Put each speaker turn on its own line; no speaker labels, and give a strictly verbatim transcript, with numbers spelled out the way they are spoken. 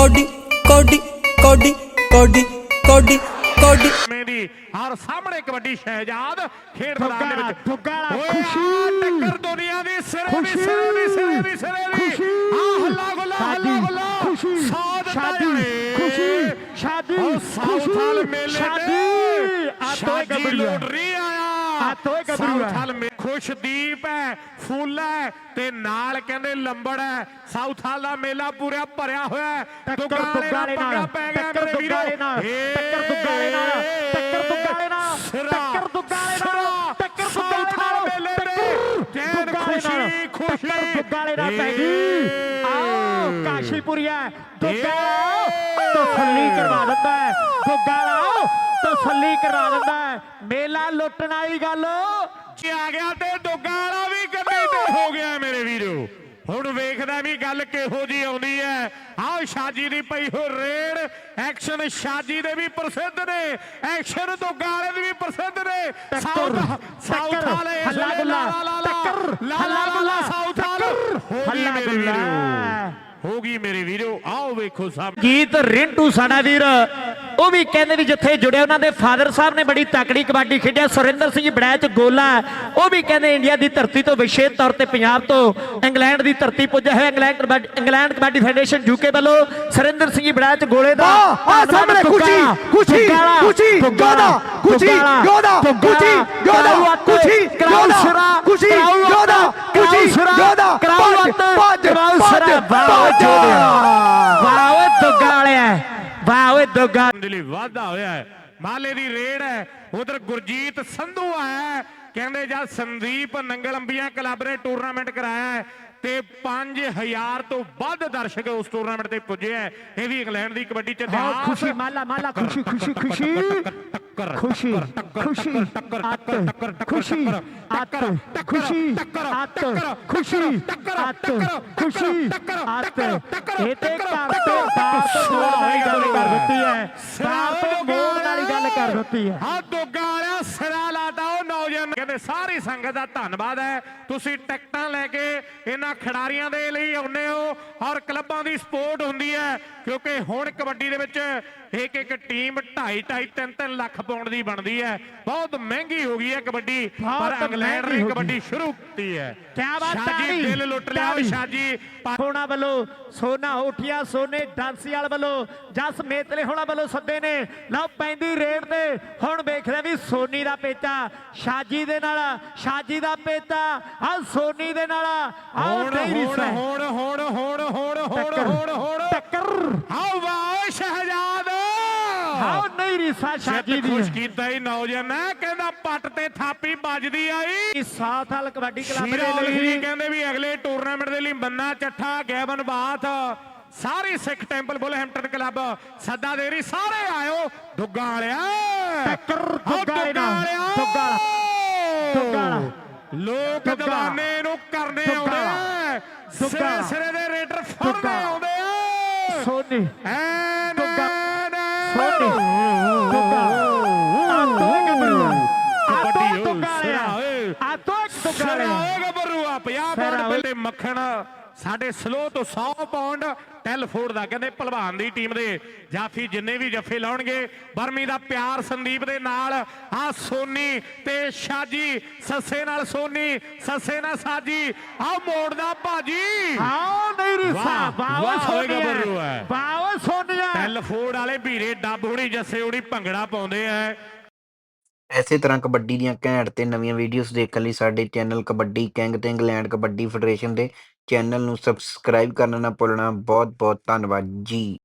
कौडी कौडी कौडी कौडी कौडी कौडी
मेरी और सामने कबड्डी शहजाद खेड मैदान दे विच
दुग्गाला
ओए
खुशी
आ टक्कर दुनिया दी सिरे दी सिरे दी सिरे दी सिरे दी आ हल्ला गुल्ला हल्ला गुल्ला
खुशी
साउथ
शादी खुशी शादी
साउथ हाल मेले
शादी आ तो
शादी लोटरी आया
आ तो
साउथ हाल में खुशदीप है फुੱਲ है ते नाल कहंदे लंबड़ है साउथ हाल दा मेला पूरा भरिया होया है दुग्गाले नाल पै गया मेरे वीरो
टक्कर दुग्गाले नाल टक्कर दुग्गाले नाल टक्कर दुग्गाले नाल टक्कर दुग्गाले नाल
मेले दे खुशी खुशी
दुग्गाले नाल पै गई आओ काशीपुरिया दुग्गाला तसल्ली करवा दिंदा है दुग्गाला तसल्ली करवा दिंदा है मेला लुੱਟਣ वाली गल
आ गया ते दुग्गा वाला भी गड्डी ते हो गया मेरे वीरो ਹੁਣ ਵੇਖਦਾ ਵੀ ਗੱਲ ਕਿਹੋ ਜੀ ਆਉਂਦੀ ਹੈ ਆਹ ਸ਼ਾਜੀ ਦੀ ਪਈ ਹੋ ਰੇਡ ਐਕਸ਼ਨ ਸ਼ਾਜੀ ਦੇ ਵੀ ਪ੍ਰਸਿੱਧ ਨੇ ਐਕਸ਼ਨ ਦੁੱਗਾ ਵਾਲੇ ਦੇ ਵੀ ਪ੍ਰਸਿੱਧ ਨੇ ਸਾਊਥ ਸਾਊਥ ਵਾਲੇ
ਹੱਲਾ ਗੁੱਲਾ ਟੱਕਰ ਹੱਲਾ ਗੁੱਲਾ
ਸਾਊਥ ਵਾਲੇ
ਹੱਲਾ ਗੁੱਲਾ
ਹੋ ਗਈ ਮੇਰੇ ਵੀਰੋ ਆਓ ਵੇਖੋ ਸਭ
ਗੀਤ ਰਿੰਟੂ ਸਾਡਾ ਵੀਰ ਉਹ ਵੀ ਕਹਿੰਦੇ ਵੀ ਜਿੱਥੇ ਜੁੜੇ ਉਹਨਾਂ ਦੇ ਫਾਦਰ ਸਾਹਿਬ ਨੇ ਬੜੀ ਤਕੜੀ ਕਬੱਡੀ ਖੇਡਿਆ ਸੁਰਿੰਦਰ ਸਿੰਘ ਬੜੈਚ ਗੋਲਾ ਉਹ ਵੀ ਕਹਿੰਦੇ ਇੰਡੀਆ ਦੀ ਧਰਤੀ ਤੋਂ ਵਿਸ਼ੇਸ਼ ਤੌਰ ਤੇ ਪੰਜਾਬ ਤੋਂ ਇੰਗਲੈਂਡ ਦੀ ਧਰਤੀ ਪੁੱਜਿਆ ਹੋਇਆ England England kabaddi federation UK ਵੱਲੋਂ ਸੁਰਿੰਦਰ ਸਿੰਘ ਬੜੈਚ ਗੋਲੇ ਦਾ
ਆ ਸਾਹਮਣੇ ਖੁਸ਼ੀ ਖੁਸ਼ੀ ਖੁਸ਼ੀ ਯੋਧਾ ਖੁਸ਼ੀ ਯੋਧਾ ਖੁਸ਼ੀ ਯੋਧਾ ਖੁਸ਼ੀ ਯੋਧਾ ਖੁਸ਼ੀ ਯੋਧਾ ਖੁਸ਼ੀ ਯੋਧਾ ਭੱਜ ਭੱਜ ਭੱਜ
ਵਾਹ ਓਏ ਦੁੱਗਾ ਵਾਲਿਆ ਵਾਹ ਓਏ ਦੁੱਗਾ
ਦੇ ਲਈ ਵਾਧਾ ਹੋਇਆ ਹੈ ਮਾਲੇ ਦੀ ਰੇਡ ਹੈ ਉਧਰ ਗੁਰਜੀਤ ਸੰਧੂ ਆਇਆ ਕਹਿੰਦੇ ਜਦ ਸੰਦੀਪ ਨੰਗਲ ਅੰਬੀਆਂ ਕਲੱਬ ਨੇ ਟੂਰਨਾਮੈਂਟ ਕਰਾਇਆ ਹੈ ਤੇ ਪੰਜ ਹਜ਼ਾਰ ਤੋਂ ਵੱਧ ਦਰਸ਼ਕ ਉਸ ਟੂਰਨਾਮੈਂਟ ਤੇ ਪੁੱਜੇ ਹੈ ਇਹ ਵੀ ਇੰਗਲੈਂਡ ਦੀ ਕਬੱਡੀ ਚ ਇਤਿਹਾਸ
ਖੁਸ਼ੀ ਮਾਲਾ ਮਾਲਾ ਖੁਸ਼ੀ ਖੁਸ਼ੀ ਖੁਸ਼ੀ ਖੁਸ਼ੀ ਖੁਸ਼ੀ ਅੱਤ ਖੁਸ਼ੀ ਅੱਤ ਖੁਸ਼ੀ ਅੱਤ ਖੁਸ਼ੀ ਅੱਤ ਖੁਸ਼ੀ ਅੱਤ ਇਹ ਤੇ ਘਰ ਤੋਂ ਬਾਹਰ ਤੋਂ ਗੋਲ ਵਾਲੀ ਗੱਲ ਕਰ ਦਿੱਤੀ ਹੈ ਬਾਹਰ ਤੋਂ ਗੋਲ ਵਾਲੀ ਗੱਲ ਕਰ ਦਿੱਤੀ ਹੈ
ਆ ਦੁੱਗਾ ਵਾਲਿਆ ਸਿਰਾ ਲਾਤਾ ਉਹ ਨੌਜਵਾਨ ਕਹਿੰਦੇ ਸਾਰੀ ਸੰਗਤ ਦਾ ਧੰਨਵਾਦ ਹੈ ਤੁਸੀਂ ਟਿਕਟਾਂ ਲੈ ਕੇ ਇਹਨਾਂ ਖਿਡਾਰੀਆਂ ਦੇ ਲਈ ਆਉਂਦੇ ਹੋ ਔਰ ਕਲੱਬਾਂ ਦੀ ਸਪੋਰਟ ਹੁੰਦੀ ਹੈ ਕਿਉਂਕਿ ਹੁਣ ਕਬੱਡੀ ਦੇ ਵਿੱਚ ਇੱਕ ਇੱਕ ਟੀਮ ਢਾਈ ਢਾਈ ਤਿੰਨ ਤਿੰਨ ਲੱਖ ਪਾਉਂਡ ਦੀ ਬਣਦੀ ਹੈ ਬਹੁਤ ਮਹਿੰਗੀ ਹੋ ਗਈ ਹੈ ਕਬੱਡੀ ਪਰ ਇੰਗਲੈਂਡ ਨੇ ਕਬੱਡੀ ਸ਼ੁਰੂ ਕੀਤੀ ਹੈ
ਕਿਆ ਬਾਤ ਹੈ
ਸ਼ਾਜੀ ਦਿਲ ਲੁੱਟ ਲਿਆ ਸ਼ਾਜੀ
ਹੋਣਾ ਵੱਲੋਂ ਸੋਨਾ ਹੋਠੀਆ ਸੋਨੇ ਡਾਂਸੀਵਾਲ ਵੱਲੋਂ ਜਸ ਮੇਤਲੇ ਹੋਣਾ ਵੱਲੋਂ ਸੱਦੇ ਨੇ ਲਓ ਪੈਂਦੀ ਰੇਡ ਤੇ ਹੁਣ ਵੇਖਦੇ ਵੀ ਸੋਨੀ ਦਾ ਪੇਚਾ ਸ਼ਾਜੀ ਦੇ ਨਾਲ ਸ਼ਾਜੀ ਦਾ ਪੇਚਾ ਆ ਸੋਨੀ ਦੇ ਨਾਲ
ਹੁਣ ਹੁਣ ਹੁਣ ਹੁਣ ਹੁਣ ਹੁਣ ਹੁਣ ਹੁਣ ਹੁਣ
ਟੱਕਰ
ਆਓ ਵਾਹ ਸ਼ਹਿਜ਼ਾਦ
ਆਓ ਨਹੀਂ ਰੀਸਾ ਸ਼ਾਜੀ ਦੀ
ਖੁਸ਼ ਕੀਤਾ ਹੀ ਨੌਜਵਾਨ ਕਹਿੰਦਾ ਪੱਟ ਤੇ ਥਾਪੀ ਵੱਜਦੀ ਆਈ
ਸਾਥ ਹਾਲ ਕਬੱਡੀ ਕਲੱਬ ਦੇ
ਲਈ ਕਹਿੰਦੇ ਵੀ ਅਗਲੇ ਟੂਰਨਾਮੈਂਟ ਦੇ ਲਈ ਬੰਨਾ ਚੱਠਾ ਗੈਵਨ ਬਾਥ ਸਾਰੇ ਸਿੱਖ ਟੈਂਪਲ ਬੁਲਹੈਂਪਟਨ ਕਲੱਬ ਸੱਦਾ ਦੇ ਰਹੀ ਸਾਰੇ ਆਇਓ ਦੁੱਗਾ ਵਾਲਿਆ
ਟੱਕਰ ਦੁੱਗਾ ਵਾਲਿਆ ਦੁੱਗਾ ਦੁੱਗਾ
ਲੋਕ ਦੀਵਾਨੇ ਨੂੰ ਕਰਨੇ ਆਉਂਦੇ ਸਿਰੇ ਸਿਰੇ ਦੇ ਰੇਡਰ ਫੜਨੇ ਆਉਂਦੇ ਆ
ਸੋਨੀ
ਐ
ਦੁੱਗਾ ਸੋਨੀ ਦੁੱਗਾ ਆ ਤੋਂ ਗੱਭਰੂ ਆ ਤੋਂ ਦੁੱਗਾ ਆ ਤੋਂ ਦੁੱਗਾ
ਓਏ ਗੱਭਰੂ ਆ ਪੰਜਾਹ ਪਾਉਂਡ ਤੇ ਮੱਖਣ ਸਾਡੇ ਸਲੋ ਤੋਂ ਸੌ ਪਾਉਂਡ ਟੈਲਫੋਰਡ ਦਾ ਕਹਿੰਦੇ ਭਲਵਾਨ ਦੀ ਟੀਮ ਦੇ ਜਾਫੀ ਜਿੰਨੇ ਵੀ ਜੱਫੇ ਲਾਉਣਗੇ ਬਰਮੀ ਦਾ ਪਿਆਰ ਸੰਦੀਪ ਦੇ ਨਾਲ ਆ ਸੋਨੀ ਤੇ ਸ਼ਾਜੀ ਸੱਸੇ ਨਾਲ ਸੋਨੀ ਸੱਸੇ ਨਾਲ ਸਾਜੀ ਆ ਮੋੜਦਾ ਭਾਜੀ
ਆਓ ਨਹੀਂ ਰੀਸਾ ਵਾਹ
ਗੱਭਰੂ ਹੈ
ਵਾਹ ਸੋਨੀਆ
ਟੈਲਫੋਰਡ ਵਾਲੇ ਵੀਰੇ ਡੱਬ ਹੋਣੀ ਜੱਸੇ ਹੋਣੀ ਭੰਗੜਾ ਪਾਉਂਦੇ ਆ
ਇਸੇ ਤਰ੍ਹਾਂ ਕਬੱਡੀ ਦੀਆਂ ਘੈਂਟ ਤੇ ਨਵੀਆਂ ਵੀਡੀਓਜ਼ ਦੇਖਣ ਲਈ ਸਾਡੇ ਚੈਨਲ ਕਬੱਡੀ ਕਿੰਗ ਤੇ ਇੰਗਲੈਂਡ ਕਬੱਡੀ ਫੈਡਰੇਸ਼ਨ ਦੇ ਚੈਨਲ ਨੂੰ ਸਬਸਕ੍ਰਾਈਬ ਕਰਨਾ ਨਾ ਭੁੱਲਣਾ ਬਹੁਤ ਬਹੁਤ ਧੰਨਵਾਦ ਜੀ।